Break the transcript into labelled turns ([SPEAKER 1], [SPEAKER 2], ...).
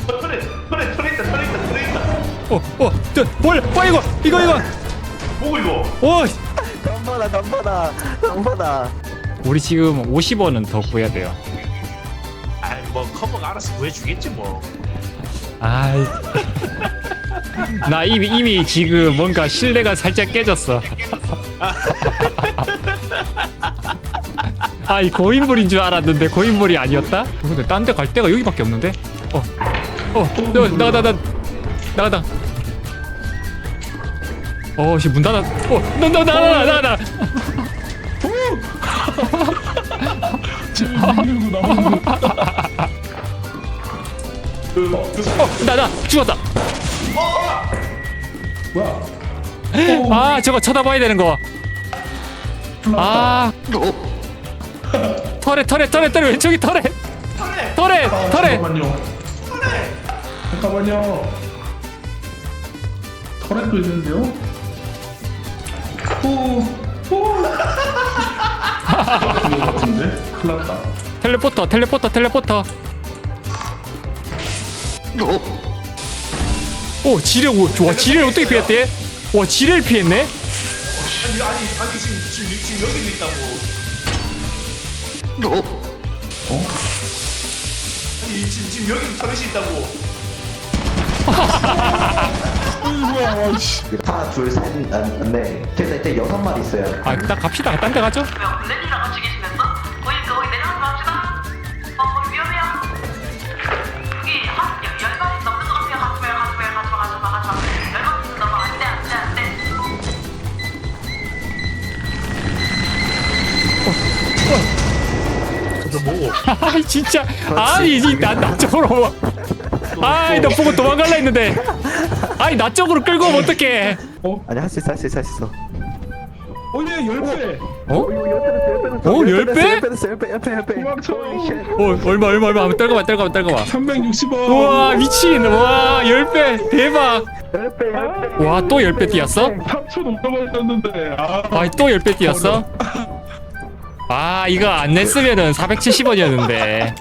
[SPEAKER 1] 털에 있다.
[SPEAKER 2] 뭘 이거
[SPEAKER 1] 뭐고 이거?
[SPEAKER 2] 오
[SPEAKER 3] 덤받아.
[SPEAKER 2] 우리 지금 50원은 더 구해야 돼요.
[SPEAKER 1] 아이 뭐 커버가 알아서 구해주겠지 뭐.
[SPEAKER 2] 아이 나 이미 지금 뭔가 신뢰가 살짝 깨졌어. 아이 고인물인 줄 알았는데 고인물이 아니었다? 근데 딴 데 갈 데가 여기밖에 없는데? 나가다. 씨 문 닫아. 나가. 나 죽었다.
[SPEAKER 4] 뭐야?
[SPEAKER 2] 아 저거 쳐다봐야 되는 거. 아 털에 왼쪽이 털에.
[SPEAKER 4] 잠깐만요. 터렛도 있는데요? 후. 그거 같은데? 큰일 났다.
[SPEAKER 2] 텔레포터. 오 지뢰 좋아. 지뢰를 어떻게 피했대? 와 지뢰를 피했네?
[SPEAKER 1] 아니 지금 여기도 있다고. 아니 지금 여기도 터렛이 있다고.
[SPEAKER 4] 뭐야, 씨.
[SPEAKER 3] 하나, 둘, 셋, 넷. 그래서 이제 6마리 있어요.
[SPEAKER 2] 아 일단 갑시다. 딴 데 가죠.
[SPEAKER 5] 렌이랑 같이 계시면서 거기 내려가지 맙시다. 거기 위험해요. 여기 한 10마리 넘는 것 같아요. 가지 마. 10마리 넘어 안 돼.
[SPEAKER 1] 저 뭐고?
[SPEAKER 2] 아이 진짜 아니 나 쪽으로 아이 너 보고 도망갈라 했는데 아이 나 쪽으로 끌고 오면 어떡해.
[SPEAKER 3] 아니, 할 수 있어.
[SPEAKER 4] 오예 10배.
[SPEAKER 2] 어?
[SPEAKER 3] 어,
[SPEAKER 2] 10배?
[SPEAKER 3] 10배.
[SPEAKER 4] 도망쳐.
[SPEAKER 2] 얼마 한번 떨궈봐
[SPEAKER 4] 360원.
[SPEAKER 2] 우와 미친 와 10배 대박.
[SPEAKER 3] 10배.
[SPEAKER 2] 와 또 10배 뛰었어?
[SPEAKER 4] 3,500원 아.
[SPEAKER 2] 아이 또 10배 뛰었어? 아 이거 안 냈으면은 470원이었는데